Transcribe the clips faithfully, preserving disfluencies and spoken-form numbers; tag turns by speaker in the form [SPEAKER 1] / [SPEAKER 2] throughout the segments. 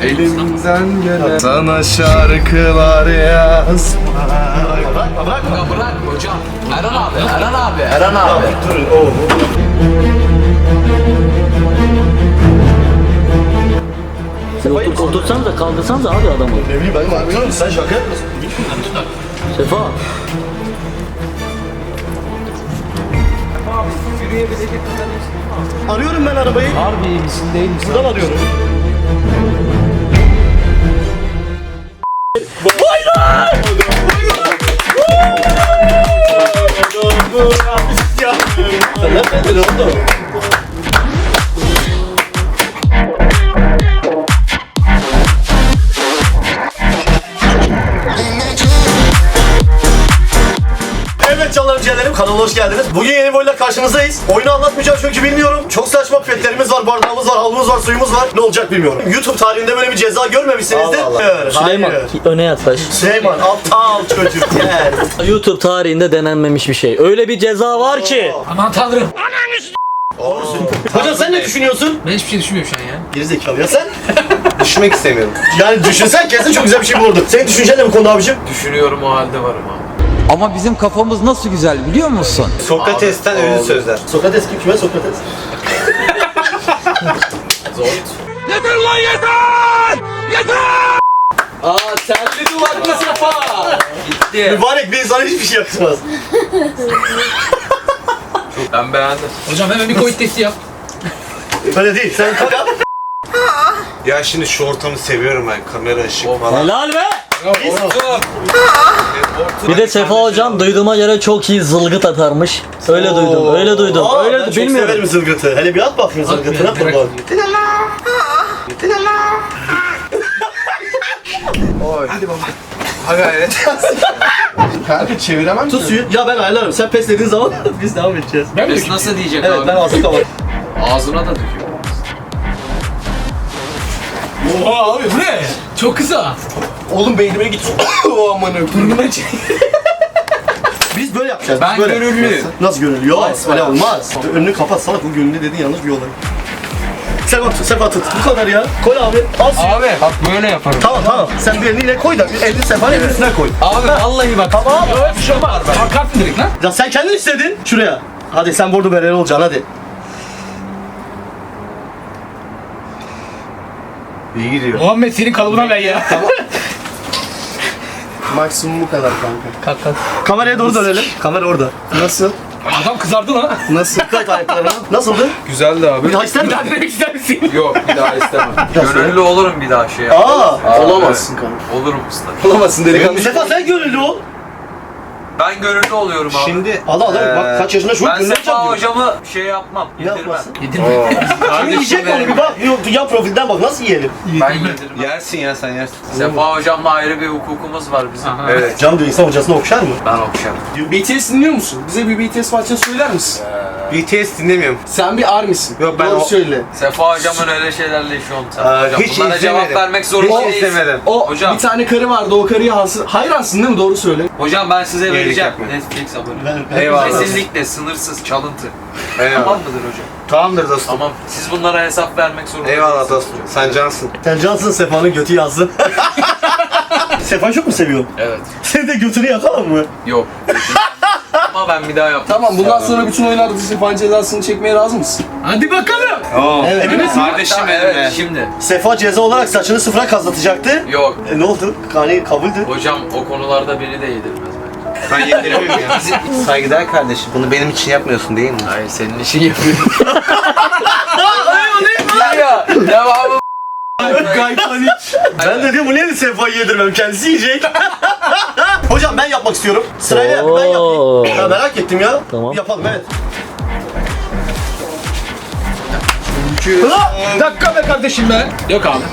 [SPEAKER 1] Elimden gelen sana şarkılar yaz.
[SPEAKER 2] Bırakma bırakma. Ya bırak hocam. Erhan abi, Erhan abi, Erhan abi.
[SPEAKER 3] Durun oğlum.
[SPEAKER 4] Otur, otursanız da kaldırsanız abi adamı.
[SPEAKER 3] Ne bileyim benim anlıyorum sen şaka yapıyorsun.
[SPEAKER 4] Sefa.
[SPEAKER 3] Arıyorum ben arabayı.
[SPEAKER 2] Harbi iyi misin değil misin?
[SPEAKER 3] Buradan arıyorum. Nerededir oldu? Evet canlarım ciğerlerim, kanala hoş geldiniz. Bugün yeni bir oyunla karşınızdayız. Oyunu anlatmayacağım çünkü bilmiyorum. Çok saçma pipetlerimiz var, bardağımız var, havlumuz var, suyumuz var. Ne olacak bilmiyorum. YouTube tarihinde böyle bir ceza görmemişsinizdir. Allah Allah. Hayır,
[SPEAKER 4] Süleyman
[SPEAKER 3] hayır.
[SPEAKER 4] öne yaklaş.
[SPEAKER 3] Süleyman aptal çocuk gel.
[SPEAKER 4] YouTube tarihinde denenmemiş bir şey. Öyle bir ceza var ki.
[SPEAKER 2] Aman tanrım.
[SPEAKER 3] Hocam sen ne düşünüyorsun?
[SPEAKER 2] Ben hiçbir şey düşünmüyorum şu an ya.
[SPEAKER 3] Gerizekalı ya sen?
[SPEAKER 1] Düşmek istemiyorum.
[SPEAKER 3] Yani düşünsen kesin çok güzel bir şey bulurdun. Senin düşüncen ne bu konuda abicim?
[SPEAKER 2] Düşünüyorum o halde varım abi.
[SPEAKER 5] Ama bizim kafamız nasıl güzel biliyor musun?
[SPEAKER 1] Sokrates'ten övülü sözler.
[SPEAKER 3] Sokrates kim? Kime Sokrates?
[SPEAKER 2] Aa terli duvaklı Sefa. Gitti.
[SPEAKER 3] Mübarek bir insana hiçbir şey yakışmaz.
[SPEAKER 2] Ben beğendim. Hocam hemen bir Covid testi yap.
[SPEAKER 3] Böyle değil, sen kalk.
[SPEAKER 1] Ya şimdi şu ortamı seviyorum ben. Kamera, ışık falan.
[SPEAKER 4] Helal be.
[SPEAKER 2] Orta.
[SPEAKER 4] Bir de Sefa hocam duyduğuma göre çok iyi zılgıt atarmış. Öyle duydum, öyle duydum.
[SPEAKER 3] Aa,
[SPEAKER 4] öyle
[SPEAKER 3] ben çok
[SPEAKER 4] bilmiyorum.
[SPEAKER 3] severim zılgıtı. Hele bir at bakayım zılgıtına
[SPEAKER 2] At bir,
[SPEAKER 3] kurban.
[SPEAKER 1] Ha gayret. Kanka çeviremem
[SPEAKER 3] Tut suyu. Ya ben ayarlarım. Sen pes dediğin zaman biz devam edeceğiz.
[SPEAKER 2] Ben mi nasıl diyecek
[SPEAKER 3] Evet
[SPEAKER 2] abi?
[SPEAKER 3] ben ağzını kapat.
[SPEAKER 2] Ağzına da döküyor. Oha abi bu ne? Çok kısa.
[SPEAKER 3] Oğlum beynime git. O aman
[SPEAKER 2] Burnuma çek.
[SPEAKER 3] Biz böyle yapacağız.
[SPEAKER 2] Ben
[SPEAKER 3] biz böyle.
[SPEAKER 2] gönüllü.
[SPEAKER 3] Nasıl gönüllü? Yok
[SPEAKER 2] Asla.
[SPEAKER 3] öyle olmaz. Önünü kapat salak, bu gönüllü dedin yanlış bir olay. Sefa tut, Sefa tut. Bu kadar ya. Koy abi. Al suyu.
[SPEAKER 2] Abi bak böyle yaparım.
[SPEAKER 3] Tamam tamam. Sen bir elini yine koy da elini Sefa'nın elinin üstüne koy.
[SPEAKER 2] Abi vallahi bak.
[SPEAKER 3] Tamam.
[SPEAKER 2] Yok bir şey olmaz. Kalkarsın direkt lan.
[SPEAKER 3] Ya sen kendin istedin. Şuraya. Hadi sen bordo bereli olacaksın hadi.
[SPEAKER 1] İyi gidiyor.
[SPEAKER 2] Muhammed senin kalıbına ver ya.
[SPEAKER 1] Maksimum bu kadar kanka.
[SPEAKER 2] Kalk kalk.
[SPEAKER 3] Kameraya doğru dönelim. Kamera orada. Nasıl?
[SPEAKER 2] Adam kızardı lan.
[SPEAKER 3] Nasıl? Dikkat ayaklarına. Nasıldı?
[SPEAKER 1] Güzeldi abi.
[SPEAKER 3] Bir daha ister
[SPEAKER 2] Bir
[SPEAKER 3] misin?
[SPEAKER 2] daha denemek ister misin?
[SPEAKER 6] Yok bir daha istemem.
[SPEAKER 3] Nasıl?
[SPEAKER 6] Gönüllü olurum bir daha şey.
[SPEAKER 3] Aa!
[SPEAKER 1] Olamazsın kanka.
[SPEAKER 6] Olurum usta.
[SPEAKER 1] Olamazsın delikanlı.
[SPEAKER 3] Sefa sen gönüllü ol.
[SPEAKER 6] Ben gönüllü oluyorum abi.
[SPEAKER 1] Şimdi
[SPEAKER 3] Allah Allah bak kaç yaşında şu
[SPEAKER 6] ben
[SPEAKER 3] gönüllü
[SPEAKER 6] Sefa
[SPEAKER 3] olacağım diyor.
[SPEAKER 6] hocamı şey yapmam.
[SPEAKER 3] Ne
[SPEAKER 6] Yedirmem.
[SPEAKER 3] yapmasın?
[SPEAKER 6] Kardeşim
[SPEAKER 3] Yiyecek onu bir bak. Yok, yan profilden bak nasıl yiyelim?
[SPEAKER 6] Ben yedirmem.
[SPEAKER 1] yersin ya sen yersin.
[SPEAKER 6] Sefa hocamla ayrı bir hukukumuz var bizim.
[SPEAKER 2] Aha.
[SPEAKER 6] Evet.
[SPEAKER 3] Cam diyor insan hocasını okşar mı?
[SPEAKER 6] Ben okşarım.
[SPEAKER 7] B T S dinliyor musun? Bize bir B T S parçası söyler misin?
[SPEAKER 1] B T S dinlemiyorum.
[SPEAKER 7] Sen bir ARMY'sin.
[SPEAKER 1] Yok, ben
[SPEAKER 7] Doğru
[SPEAKER 1] o-
[SPEAKER 7] söyle.
[SPEAKER 6] Sefa hocamın öyle şeylerle işi olmuş. Sefa
[SPEAKER 1] Aa,
[SPEAKER 6] hocam.
[SPEAKER 1] hiç
[SPEAKER 6] Bunlara
[SPEAKER 1] izlemedim.
[SPEAKER 6] cevap vermek zorunda
[SPEAKER 1] Hiç
[SPEAKER 6] değilsin.
[SPEAKER 1] izlemedim.
[SPEAKER 7] O
[SPEAKER 6] Hocam.
[SPEAKER 7] bir tane karı vardı. O karıya hasır. Hayransın değil mi? Doğru söyle.
[SPEAKER 6] Hocam ben size
[SPEAKER 1] Iyilik
[SPEAKER 6] vereceğim.
[SPEAKER 1] yapma.
[SPEAKER 6] Netflix abone.
[SPEAKER 1] Eyvallah.
[SPEAKER 6] Kesinlikle sınırsız çalıntı.
[SPEAKER 1] Eyvallah.
[SPEAKER 6] Tamam mıdır hocam?
[SPEAKER 1] Tamamdır dostum.
[SPEAKER 6] Tamam. Siz bunlara hesap vermek zorunda
[SPEAKER 1] Eyvallah
[SPEAKER 6] değilsiniz
[SPEAKER 1] dostum.
[SPEAKER 6] hocam.
[SPEAKER 1] Sen cansın.
[SPEAKER 3] Sen cansın Sefa'nın götü yazsın. Sefa çok mu seviyorsun?
[SPEAKER 6] Evet.
[SPEAKER 3] Sen de götünü yakalım mı?
[SPEAKER 6] Yok. Ama ben bir daha yapmam.
[SPEAKER 7] Tamam bundan sonra bütün oyunlarda Sefa'nın cezasını çekmeye razı mısın?
[SPEAKER 2] Hadi bakalım.
[SPEAKER 1] Oo.
[SPEAKER 3] Evet.
[SPEAKER 1] Emin misin? Kardeşim
[SPEAKER 6] Hatta
[SPEAKER 1] benim
[SPEAKER 6] evet,
[SPEAKER 1] be.
[SPEAKER 6] şimdi.
[SPEAKER 3] Sefa ceza olarak saçını sıfıra kazlatacaktı.
[SPEAKER 6] Yok.
[SPEAKER 3] E, ne oldu? Hani kabuldü.
[SPEAKER 6] Hocam o konularda beni de yedirmez bence.
[SPEAKER 1] Ben yediremiyorum ya. Saygıdeğer kardeşim. Bunu benim için yapmıyorsun değil mi?
[SPEAKER 6] Hayır senin işin yapıyorum. ya devamı.
[SPEAKER 3] Gaypanik. Ben de diyorum bu niye Sefa'yı yedirmem kendisi yiyecek. Hocam ben yapmak istiyorum. Sırayla yap, ben
[SPEAKER 4] Oo.
[SPEAKER 3] yapayım. Ya merak ettim ya.
[SPEAKER 4] Tamam.
[SPEAKER 3] Yapalım evet.
[SPEAKER 2] Dakika be kardeşim be. Yok abi.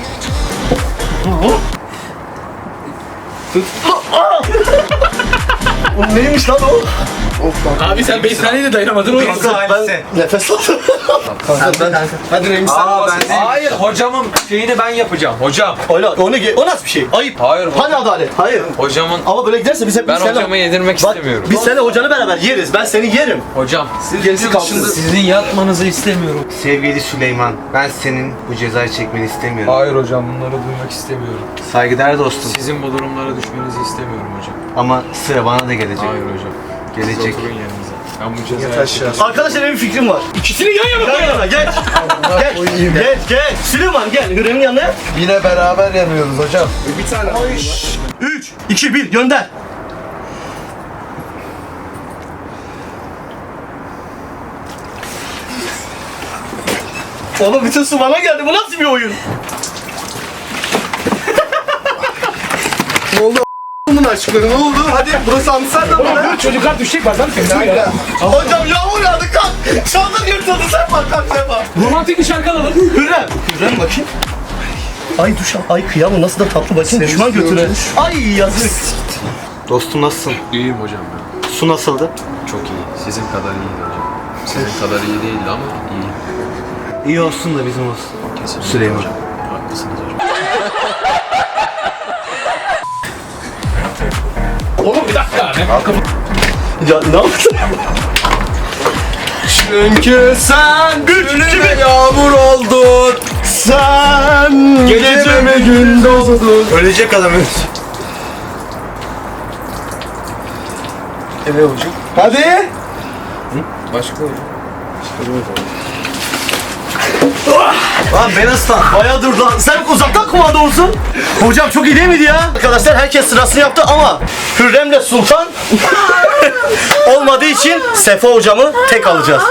[SPEAKER 3] O neymiş lan o?
[SPEAKER 7] Abi sen beş saniye de dayanamadın.
[SPEAKER 3] Ben nefes aldım.
[SPEAKER 7] Hadi Remi sen
[SPEAKER 1] Aa
[SPEAKER 7] bas.
[SPEAKER 1] ben
[SPEAKER 6] Hayır hocamın şeyini ben yapacağım. Hocam.
[SPEAKER 3] Öyle, o, ne, o nasıl bir şey? Ayıp.
[SPEAKER 6] Hayır hocam.
[SPEAKER 3] Hani adalet? Hayır.
[SPEAKER 6] Hocamın
[SPEAKER 3] Ama böyle giderse biz hep
[SPEAKER 6] ben
[SPEAKER 3] biz seninle-
[SPEAKER 6] hocamı yedirmek
[SPEAKER 3] Bak,
[SPEAKER 6] istemiyorum.
[SPEAKER 3] biz seninle hocanı beraber yeriz. Ben seni yerim.
[SPEAKER 6] Hocam.
[SPEAKER 7] Gerisi kalsın.
[SPEAKER 5] Sizin yatmanızı istemiyorum.
[SPEAKER 1] sevgili Süleyman, ben senin bu cezayı çekmeni istemiyorum.
[SPEAKER 6] Hayır hocam bunları duymak istemiyorum.
[SPEAKER 1] Saygıdeğer dostum.
[SPEAKER 6] Sizin bu durumlara düşmenizi istemiyorum hocam.
[SPEAKER 1] Ama sıra bana da gelecek.
[SPEAKER 6] Hayır hocam.
[SPEAKER 1] Gelecek.
[SPEAKER 6] Siz oturun yerinize. Ben bu cezayı çekeceğim.
[SPEAKER 3] Arkadaşlar benim bir fikrim var.
[SPEAKER 7] İkisini yan yana
[SPEAKER 3] Gel yana gel. Gel. Gel gel. Süleyman gel. Hürrem'in yanına.
[SPEAKER 6] Yine beraber yanıyoruz hocam.
[SPEAKER 7] Bir tane.
[SPEAKER 3] üç, iki, bir gönder. Oğlum bütün su bana geldi. Bu nasıl bir oyun?
[SPEAKER 7] Bunun aşkları ne oldu? Hadi burası Amsterdam mı? Çocuklar düşecek bak lan.
[SPEAKER 3] Hocam yağmur yağdı kalk. Çandır yırtıldı sen bak kalk sen bak.
[SPEAKER 7] Romantik bir şarkı alalım.
[SPEAKER 3] Hürrem. Hürrem bakayım. Ay duş al. Ay kıyamam nasıl da tatlı bakayım. Düşman götüre. Ay yazık.
[SPEAKER 1] Dostum nasılsın?
[SPEAKER 6] İyiyim hocam ben.
[SPEAKER 1] Su nasıldı?
[SPEAKER 6] Çok iyi. Sizin kadar iyiydi hocam. Sizin kadar iyi değildi ama iyi.
[SPEAKER 1] İyi olsun da bizim olsun.
[SPEAKER 6] Kesinlikle
[SPEAKER 1] Süleyman.
[SPEAKER 6] hocam. Haklısınız hocam.
[SPEAKER 7] Oğlum bir dakika.
[SPEAKER 3] Ya ne yaptın?
[SPEAKER 7] Çünkü sen
[SPEAKER 3] Üç,
[SPEAKER 7] yağmur oldun.
[SPEAKER 3] Sen
[SPEAKER 7] Geceme gün doldun.
[SPEAKER 1] Ölecek adam ölecek.
[SPEAKER 7] Evet hocam. Hadi.
[SPEAKER 6] Başka hocam.
[SPEAKER 3] Lan ben ıslan. Bayağıdır lan. Sen uzaktan kumanda olsun. Hocam çok iyi değil miydi ya? Arkadaşlar herkes sırasını yaptı ama Hürrem'le Sultan olmadığı için Sefa hocamı tek alacağız.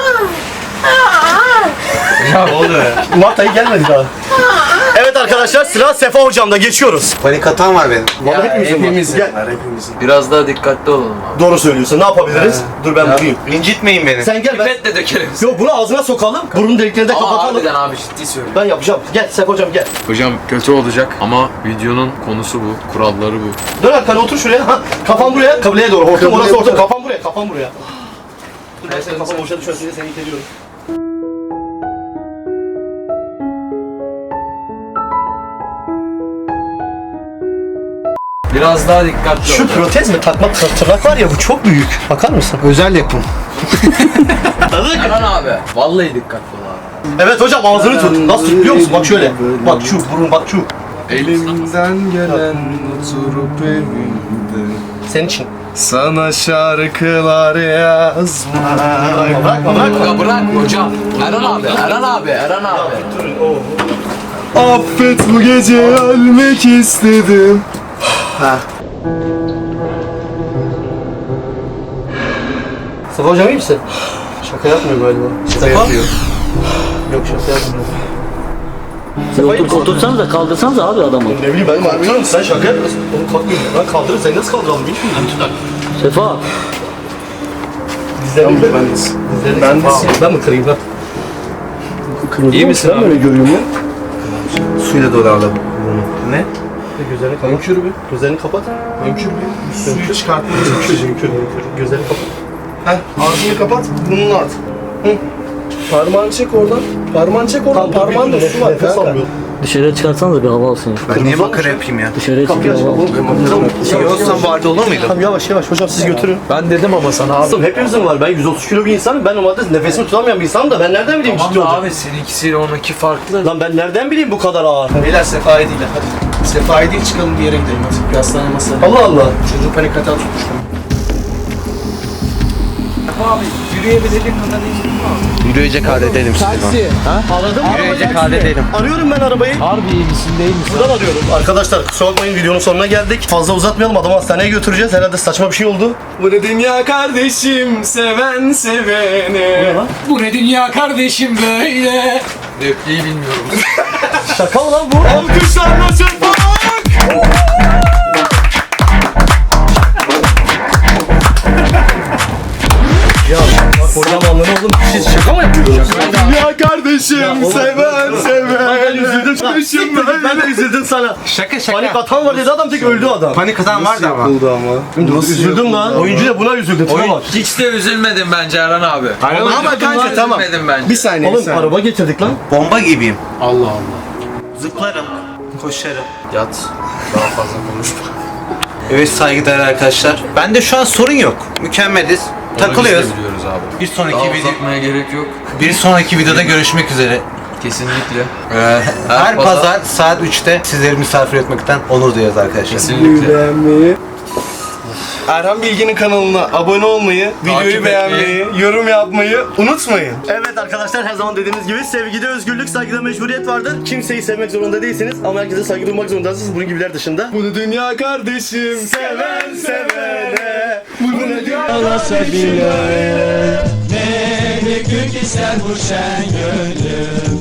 [SPEAKER 1] Ne oluyor ya?
[SPEAKER 3] Mart ayı gelmedi daha. Evet arkadaşlar sıra Sefa hocamda geçiyoruz.
[SPEAKER 1] Panik atağım var benim.
[SPEAKER 3] Vallahi hepimizin var.
[SPEAKER 7] Hepimizin
[SPEAKER 3] Gel.
[SPEAKER 7] var hepimizin.
[SPEAKER 6] Biraz daha dikkatli olalım abi.
[SPEAKER 3] Doğru söylüyorsun. Ne yapabiliriz? Dur ben bakayım.
[SPEAKER 1] İncitmeyin beni.
[SPEAKER 3] Sen gel ben.
[SPEAKER 6] Pipetle dökelim.
[SPEAKER 3] Yok bunu ağzına sokalım. Burun deliklerini de
[SPEAKER 6] Aa
[SPEAKER 3] kapatalım.
[SPEAKER 6] harbiden abi ciddi söylüyorum.
[SPEAKER 3] Ben yapacağım. Gel Sefa hocam gel.
[SPEAKER 6] Hocam kötü olacak ama videonun konusu bu, kuralları bu.
[SPEAKER 3] Dön arkana otur şuraya. Ha, kafan buraya. Kabileye doğru. Hortum orası orta. Kafan buraya. Kafan buraya. Dur ben senin kafan boşa düşmesin diye seni iteliyorum.
[SPEAKER 6] Biraz daha dikkatli
[SPEAKER 3] Şu
[SPEAKER 6] ol.
[SPEAKER 3] protez mi takma tır- tırnak var ya bu çok büyük. Bakar mısın?
[SPEAKER 1] Özel yapım.
[SPEAKER 6] Erhan abi, vallahi dikkatli ol abi.
[SPEAKER 3] Evet hocam ağzını tut. Nasıl tut biliyor musun? Bak şöyle. Bak şu burun bak şu.
[SPEAKER 7] Elimden gelen oturup evimde
[SPEAKER 3] Senin için.
[SPEAKER 7] sana şarkılar yazma.
[SPEAKER 3] Bırakma bırakma.
[SPEAKER 6] Ya bırak hocam. Erhan abi, Erhan abi, Erhan abi.
[SPEAKER 7] Affet bu gece ölmek istedim.
[SPEAKER 3] Sefa hocam iyi misin? Şaka yapmıyor galiba. Şaka yapıyor. Yok şaka yapmıyor. Sefa iyi
[SPEAKER 4] Otur,
[SPEAKER 3] misin?
[SPEAKER 4] otursanıza kaldırsanıza abi adamı.
[SPEAKER 3] Ne bileyim ben kalkıyorum. Sen şaka yapıyorsun. Oğlum kalkmıyor. Ben kaldırırım. Sen nasıl kaldıralım bilmiyorum.
[SPEAKER 4] Sefa.
[SPEAKER 3] Dizlerini ben
[SPEAKER 7] Ben
[SPEAKER 3] Dizlerini
[SPEAKER 7] Ben de-
[SPEAKER 3] Ben mi kırayım ben?
[SPEAKER 6] İyi misin abi?
[SPEAKER 7] öyle görüyorum ya.
[SPEAKER 1] Suyla doğru alalım. Ne?
[SPEAKER 3] Gözlerini kapat.
[SPEAKER 7] Önkür bir.
[SPEAKER 3] Gözlerini kapat.
[SPEAKER 7] Önkür bir. Suyu çıkartmaya
[SPEAKER 3] Önkür,
[SPEAKER 7] çalışıyorum.
[SPEAKER 3] önkür, önkür. Gözlerini kapat.
[SPEAKER 7] Heh, ağzını kapat, burnunu at. Hı. Parmağını çek oradan. Parmağını çek oradan. Parmağında su var
[SPEAKER 3] Nefes
[SPEAKER 7] kanka.
[SPEAKER 3] almıyorum.
[SPEAKER 4] Dışarıya çıkarsanıza bir hava alsın ya.
[SPEAKER 1] Ben niye makara yapayım ya?
[SPEAKER 4] Dışarıya çık bir
[SPEAKER 3] Kapıyı aç.
[SPEAKER 4] hava alsın.
[SPEAKER 3] Oğlum,
[SPEAKER 1] İyi olsam bu halde olur muydu?
[SPEAKER 3] Tamam yavaş yavaş hocam siz götürün.
[SPEAKER 6] Ben dedim ama sana abi.
[SPEAKER 3] Aslında hepimizin var. Ben yüz otuz kilo bir insanım. Ben normalde nefesimi tutamayan bir insanım da ben nereden bileyim ciddi
[SPEAKER 6] Tamam da
[SPEAKER 3] olacak?
[SPEAKER 6] abi seninkisiyle onunki farklı.
[SPEAKER 3] Lan ben nereden bileyim bu kadar ağır?
[SPEAKER 7] Beyler Sefa'yı değil hadi. Sefa'yı değil çıkalım bir yere gidelim hadi. Bir hastane masaya.
[SPEAKER 3] Allah Allah.
[SPEAKER 7] Çocuğu panik atağı tutmuş.
[SPEAKER 6] Abi yürüyebilecek kadar iyi mi?
[SPEAKER 1] Yürüyecek halde değilim Süleyman.
[SPEAKER 3] Aradım mı?
[SPEAKER 1] Yürüyecek halde değilim.
[SPEAKER 3] Arıyorum ben arabayı.
[SPEAKER 5] Harbi iyi misin değil misin?
[SPEAKER 3] Buradan arıyorum. Arkadaşlar kusura bakmayın videonun sonuna geldik. Fazla uzatmayalım adamı hastaneye götüreceğiz. Herhalde saçma bir şey oldu.
[SPEAKER 7] Bu ne dünya kardeşim, seven sevene.
[SPEAKER 3] Ne lan?
[SPEAKER 5] Bu ne dünya kardeşim böyle.
[SPEAKER 6] Repliği bilmiyorum.
[SPEAKER 3] Şaka mı lan bu?
[SPEAKER 7] Alkışlarla çırpmak.
[SPEAKER 3] Ya bak hocam anlamı oğlum. Siz şaka mı yapıyorsunuz? seviyoruz.
[SPEAKER 7] Dünya kardeşim seven seven.
[SPEAKER 3] Ben üzüldüm. Siktir git, ben de üzüldüm sana.
[SPEAKER 1] Şaka şaka.
[SPEAKER 3] Panik atan var dedi adam tek öldü adam.
[SPEAKER 1] Panik atan vardı ama.
[SPEAKER 7] Oldu ama. Nasıl
[SPEAKER 3] Üzüldüm lan. Oyuncu da buna üzüldü. Tipe bak.
[SPEAKER 6] Hiç de üzülmedim bence Erhan abi.
[SPEAKER 7] Ama kanka tamam.
[SPEAKER 6] Üzülmedim bence.
[SPEAKER 7] Bir saniye. bir
[SPEAKER 3] Oğlum
[SPEAKER 7] saniye.
[SPEAKER 3] araba getirdik lan.
[SPEAKER 1] Bomba gibiyim.
[SPEAKER 6] Allah Allah.
[SPEAKER 1] Zıplarım. Koşarım.
[SPEAKER 6] Yat. Daha fazla konuşma.
[SPEAKER 1] Evet saygıdeğer arkadaşlar. Bende şu an sorun yok. Mükemmeliz. Takılıyoruz.
[SPEAKER 6] Biz de biliyoruz abi.
[SPEAKER 1] Bir sonraki
[SPEAKER 6] Daha
[SPEAKER 1] video
[SPEAKER 6] uzatmaya gerek yok.
[SPEAKER 1] bir sonraki videoda görüşmek üzere.
[SPEAKER 6] Kesinlikle.
[SPEAKER 1] Ee, her
[SPEAKER 6] pazar-
[SPEAKER 1] pazar saat üçte sizleri misafir etmekten onur duyuyoruz arkadaşlar.
[SPEAKER 6] Kesinlikle.
[SPEAKER 7] Beğenmeyi. Erhan Bilgin'in kanalına abone olmayı, videoyu
[SPEAKER 6] etmeyi.
[SPEAKER 7] beğenmeyi, yorum yapmayı unutmayın.
[SPEAKER 3] Evet arkadaşlar her zaman dediğimiz gibi sevgide özgürlük, saygıda mecburiyet vardır. Kimseyi sevmek zorunda değilsiniz ama herkese saygı duymak zorundasınız bunun gibiler dışında.
[SPEAKER 7] Bunu dünya kardeşim seven sevene. Bunu dünya
[SPEAKER 4] Ne bir gün ister bu şen gönlüm